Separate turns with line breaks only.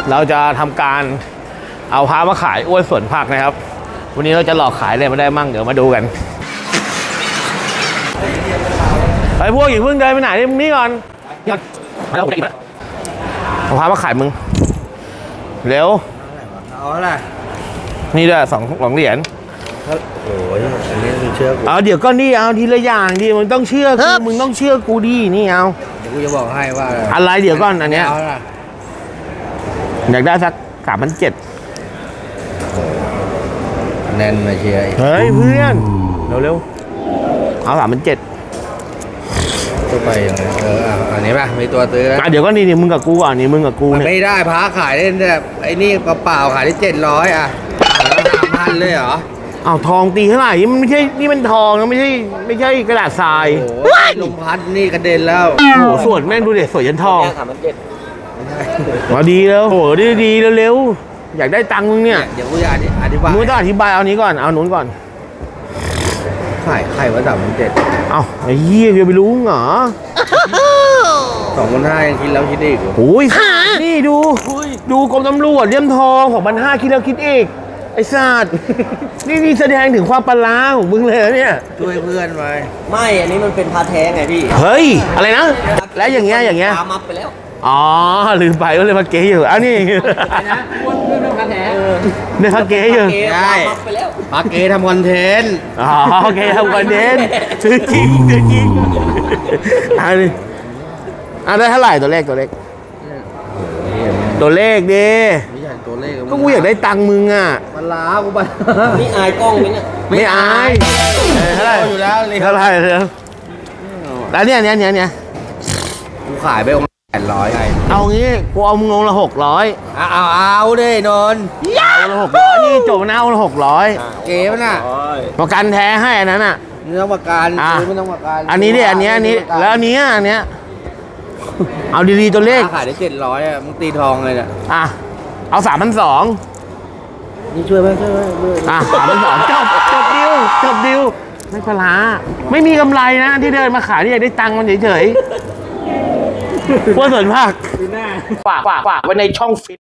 เราจะทำการเอาพามาขายอ้วนสวนผักนะครับวันนี้เราจะหลอกขายอะไรมาได้มั่งเดี๋ยวมาดูกันไอ้พวกอย่าเพิ่งเดินไปไหนมึงนี่ก่อนเอาพามาขายมึงเร็ว
เอาอะไร
นี่ด้วยสองเหรียญ
โอ้ยอันนี้มึงเชื่อกู
เอาเดี๋ยวก็นี่เอาทีละอย่างดิมึงต้องเชื่อกูมึงต้องเชื่อกูดินี่เอา
เดี๋ยวกูจะบอกให้ว่า
อะไรเดี๋ยวก่อนอันเนี้ยอยากได้สัก3,700
แน่นมาเชียร์
เฮ้ยเพื่อนเร็วเอา3,700
ตัวไปยังไงอันนี้ป่ะมีตัวซื้อแล้ว
เดี๋ยวก็นี่มึงกับกูอ่ะนี่มึงกับกู
ไม่ได้พาขายได้แบบไอ้นี่เปล่าขายได้700อ่ะ3,000เลยเหรอ
อ้าวทองตีเท่าไหร่มันไม่ใช่นี่มันทองนะไม่ใช่กระดาษทราย
โอ้ยลมพัดนี่กระเด็นแล้ว
โอ้โหสวยแม่งดูเด็ดสวยยันทองมาดีแล้วโหดีเร็วอยากได้ตังค์มึงเนี่ย
เดี๋ยวกูจะอธิบาย
มึงต้องอธิบายเอานี้ก่อนเอาหนุนก่อน
ขายว่า3,700
เอาไอ้เหี้ยจะไปรู้เหรอ
2,500ยังคิดแล้วคิดอีก
โอ้ยนี่ดูกรมตำรวจเลี่ยมทอง2,500คิดแล้วคิดอีกไอ้สัตว์นี่แสดงถึงความปลาของมึงเลยเนี่ย
ช่วยเพื่อนไป
ไม่อันนี้มันเป็นพาแท้ไงพี่
เฮ้ยอะไรนะแล้วอย่างเงี้ย
ปลามับไปแล้ว
อ๋อลืมไปก็เลยมาเก๋อยู่อ้าวนี่
นะอ้วนเพื่อนพาแท้
เนี่ยมาเก๋อยู่
ใช่ปาเก๋ทำคอนเทนต์
โอเคทำคอนเทนต์ซื้อจริงอันนี้ได้เท่าไหร่ตัวเลขดิ
ไม่ใช่ตัวเลข
ก็กูอยากได้ตังค์มึงอ่ะ
มันล้ากูไป
นี่อายกล้องไหมเนี่ย
ไม่อายเท่าไหร่
อยู่แล้ว
เท่าไหร่แล้วเนี่ย
กูขายไปองค์800ไง
เอางี้กูเอามึงลงละ600
เอาดินน
เอาละ600นี่จบนะเอาละ600
เก๋ป่ะน่ะ
ประกันแท้ให้อันนั้นอ่ะ
ไม่ต้องประกันไม่ต้องประกัน
อันนี้ดิอันนี้แล้วอันนี้เอาดีๆตัวเลข
ขายได้700อ่ะมึงตีทองเลยเนี่ย
เอา3,200
นี่ช่วยไหม
3,200จบดิวไม่ปลาไม่มีกำไรนะที่เดินมาขายนี่อยากได้ตังค์มันเฉยๆพวกสวนผักฝากไว้ในช่องฟิต